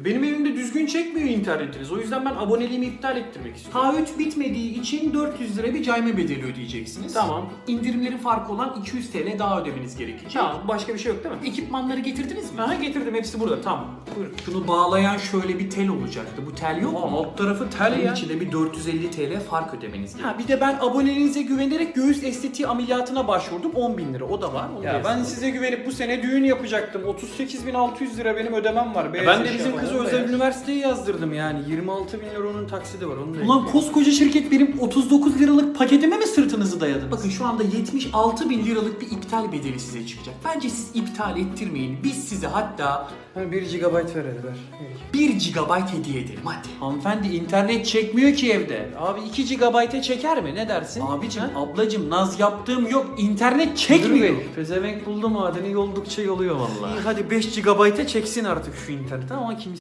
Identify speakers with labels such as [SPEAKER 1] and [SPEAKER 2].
[SPEAKER 1] Benim evimde düzgün çekmiyor internetiniz. O yüzden ben aboneliğimi iptal ettirmek istiyorum.
[SPEAKER 2] Taahhüt bitmediği için 400 lira bir cayma bedeli ödeyeceksiniz.
[SPEAKER 1] Tamam.
[SPEAKER 2] İndirimlerin farkı olan 200 TL daha ödemeniz gerekecek.
[SPEAKER 1] Tamam, başka bir şey yok değil mi?
[SPEAKER 2] Ekipmanları getirdiniz mi?
[SPEAKER 1] Aha, getirdim, hepsi burada. Tamam. Buyurun.
[SPEAKER 2] Şunu bağlayan şöyle bir tel olacaktı. Bu tel yok
[SPEAKER 1] Aa,
[SPEAKER 2] mu?
[SPEAKER 1] alt tarafı tel
[SPEAKER 2] Bunun
[SPEAKER 1] ya.
[SPEAKER 2] içinde bir 450 TL fark ödemeniz gerekiyor.
[SPEAKER 1] Ha, bir de ben aboneliğinize güvenerek göğüs estetiği ameliyatına başvurdum. 10.000 lira. O da var. Onu
[SPEAKER 3] Ya
[SPEAKER 1] da
[SPEAKER 3] ben
[SPEAKER 1] yazdım.
[SPEAKER 3] size güvenip bu sene düğün yapacaktım. 38.600 lira benim ödemem var.
[SPEAKER 1] Ben de bizim kızı özel
[SPEAKER 3] üniversite.
[SPEAKER 1] üniversiteye yazdırdım yani. 26.000 lira onun taksidi var. Onu da
[SPEAKER 2] Ulan koskoca şirket benim 39 liralık paketime mi sırtınızı dayadınız? Bakın şu anda 76 bin liralık bir iptal bedeli size çıkacak. Bence siz iptal ettirmeyin. Biz size hatta
[SPEAKER 3] 1 GB ver hadi ver.
[SPEAKER 2] 1 GB hediye edelim hadi.
[SPEAKER 1] Hanımefendi internet çekmiyor ki evde. Abi 2 GB'e çeker mi? Ne dersin?
[SPEAKER 2] Abicim,
[SPEAKER 1] Ha?
[SPEAKER 2] ablacım naz yaptığım yok. İnternet
[SPEAKER 1] Müdür
[SPEAKER 2] çekmiyor.
[SPEAKER 1] Bey, pezevenk buldu madeni yoldukça yoluyor vallahi. İyi hadi 5 GB'e çeksin artık şu internet ama kimse